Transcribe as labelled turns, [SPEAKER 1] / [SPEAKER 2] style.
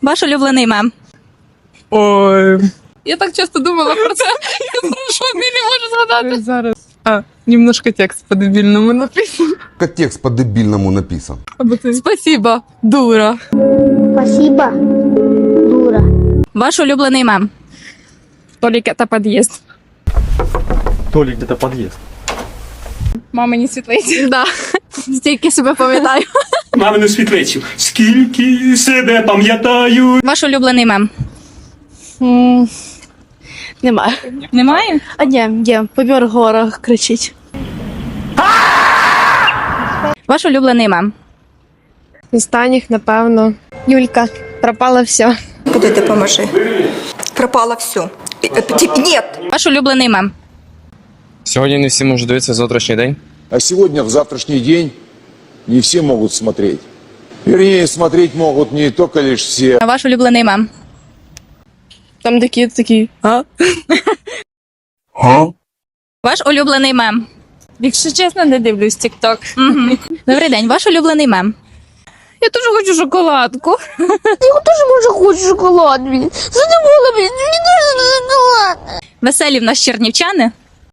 [SPEAKER 1] Ваш улюблений мем.
[SPEAKER 2] Ой,
[SPEAKER 3] Я так часто думала про це. Я прошу, не можу згадати.
[SPEAKER 2] зараз. Немножко текст по-дебільному написан.
[SPEAKER 4] Как текст по-дебильному написан.
[SPEAKER 2] Або ти...
[SPEAKER 3] Спасибо, дура.
[SPEAKER 5] Спасибо, дура.
[SPEAKER 1] Ваш улюблений мем.
[SPEAKER 3] Толік, це під'їзд.
[SPEAKER 6] Толик, где-то подъезд.
[SPEAKER 3] Мамині світлиці.
[SPEAKER 1] Да. Стільки себе пам'ятаю.
[SPEAKER 6] Мамину світлицю. Скільки себе пам'ятаю.
[SPEAKER 1] Ваш улюблений мем.
[SPEAKER 7] Немає.
[SPEAKER 1] Немає?
[SPEAKER 7] А ні, є. Помір в горах кричить.
[SPEAKER 1] Ваш улюблений мем.
[SPEAKER 7] Останніх, напевно. Юлька. Пропало все.
[SPEAKER 8] Куди допоможи? Пропало все. Нет.
[SPEAKER 1] Ваш улюблений мем.
[SPEAKER 9] Сьогодні не всі можуть дивитися завтрашній день.
[SPEAKER 10] А сегодня, в завтрашний день, не все могут смотреть. Вернее, смотреть могут не только лишь все.
[SPEAKER 1] Ваш улюблений мем.
[SPEAKER 7] Там такі.
[SPEAKER 1] Ваш улюблений мем.
[SPEAKER 3] Якщо чесно, не дивлюсь TikTok.
[SPEAKER 1] Угу. Добрий день. Ваш улюблений мем.
[SPEAKER 3] Я дуже хочу шоколадку.
[SPEAKER 5] Я тоже, може, хочу шоколад, блін. Задумала, блін, мені дуже шоколад.
[SPEAKER 1] Веселі в нас чернівчани.